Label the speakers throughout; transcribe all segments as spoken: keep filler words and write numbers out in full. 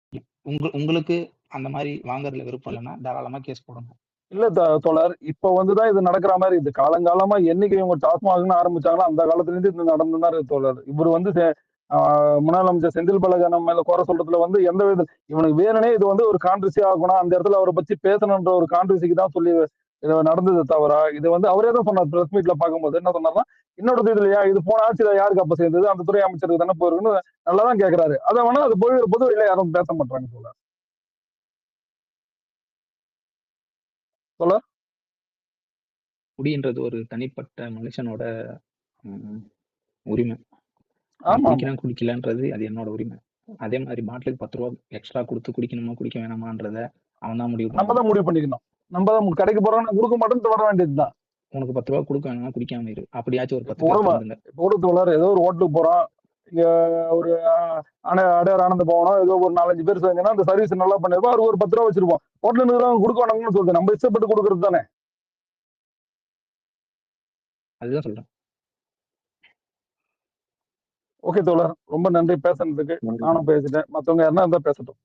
Speaker 1: உங்க உங்களுக்கு அந்த மாரி வாங்குறதுல விருப்பம் இல்லன்னா, தாராளமா கேஸ் போடுங்க.
Speaker 2: இல்ல த தோழர். இப்ப வந்து தான் இது நடக்குற மாரி இது. காலங்காலமா என்னைக்கு இவங்க டாஸ்மாக்ன்னு ஆரம்பிச்சாங்களோ, அந்த காலத்துலருந்து இது நடந்து தான் இருக்கு தோழர். இவரு வந்து செ ஆ முன்னாள் அமைச்சர் செந்தில் பாலாஜி மேல குறை சொல்றதுல வந்து எந்த வித இவனுக்கு வேணும்னே இது வந்து ஒரு கான்ட்ரோவர்சி ஆக்கணும். அந்த இடத்துல அவர பத்தி பேசணுன்ற ஒரு கான்ட்ரோவர்சிக்கு தான் சொல்லி இது நடந்தது தவிர, இது வந்து அவரே தான் சொன்னார் பிரஸ் மீட்ல பார்க்கும்போது. என்ன சொன்னார்ன்னா, "என்னோடது இதுலயா? இது போன ஆட்சியில யாருக்கு அப்ப சேர்ந்தது? அந்த துறை அமைச்சருக்கு தானே போயிருக்குன்னு" நல்லா தான் கேட்கிறாரு. அத வேணா அது போய் பொது வெளில யாரும் பேச மாட்றாங்க தோழர். தோழர்?
Speaker 1: குடின்றது ஒரு தனிப்பட்ட மனுஷனோட ம் உரிமை. நான்
Speaker 2: ஆமாமா.
Speaker 1: குடிக்கிறேன், குடிக்கலன்றது அது என்னோட உரிமை. அதே மாரி பாட்டிலுக்கு பத்து ரூவா எக்ஸ்ட்ரா குடுத்து குடிக்கணுமா, குடிக்க வேணாமான்றத அவன் தான் முடிவு
Speaker 2: நம்ம
Speaker 1: பண்ணணும்.
Speaker 2: தான் முடிவு பண்ணிக்கணும். நம்ம தான் கடைக்கு போறோம், நான் குடுக்க மாட்டேன்ட்டு வர வேண்டியது தான்.
Speaker 1: உனக்கு பத்து ரூவா குடுக்க வேணாம்னா குடிக்காம இரு. அப்படியாச்சும் ஒரு
Speaker 2: இப்ப
Speaker 1: பத்து பேர்
Speaker 2: கூட
Speaker 1: திருந்துங்க.
Speaker 2: இப்ப கூட தோழர் ஏதோ ஒரு ஹோட்டலுக்கு போறோம். இங்க ஒரு அ அட அடையார் ஆனந்த பவனோ ஏதோ ஒரு நான்கு, அஞ்சு பேர் சேர்ந்தோம்னா, அந்த சர்வீஸ் நல்லா பண்ணிருப்போம். அவருக்கு ஒரு பத்து ரூவா வச்சிருப்போம். ஹோட்டல்ல இருக்கிறவங்க குடுக்க வேணாம்னு சொல்லுது. நம்ம இஷ்டப்பட்டு குடுக்குறது தானே.
Speaker 1: அதுதான் சொல்றேன்.
Speaker 2: ஓகே தோழர். ரொம்ப நன்றி பேசுனதுக்கு.
Speaker 1: நன்றி.
Speaker 2: நானும் பேசிட்டேன். மத்தவங்க யாருன்னா இருந்தா பேசட்டும்.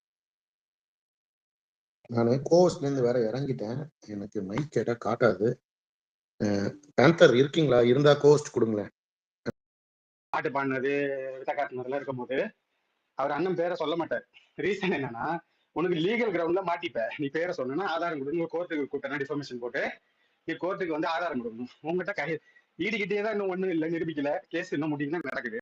Speaker 3: நானு கோவஸ்ட்லேருந்து வேற இறங்கிட்டேன். எனக்கு மைக் கேட்டா காட்டாது. அ பேந்தர் இருக்கீங்களா? இருந்தா கோஸ்ட் குடுங்களேன்.
Speaker 4: பாட்டு பாடுனது, வித்த காட்டுனதுலாம் இருக்கும்போது, அவர் அண்ணன் பேரை சொல்ல மாட்டார். ரீசன் என்னன்னா, உனக்கு லீகல் கிரவுண்ட்ல மாட்டிப்ப. நீ பேரை சொன்னா ஆதாரம் கொடுங்க, கோர்ட்டுக்கு கூட்டணும், டிஃபர்மேஷன் போட்டு நீ கோர்ட்டுக்கு வந்து ஆதாரம் கொடுக்கணும். உங்ககிட்ட கை ஈடுகிட்டே தான் இன்னும் ஒண்ணும் இல்லை, நிரூபிக்கல. கேஸ் இன்னும் முடிக்கல, நடக்குது.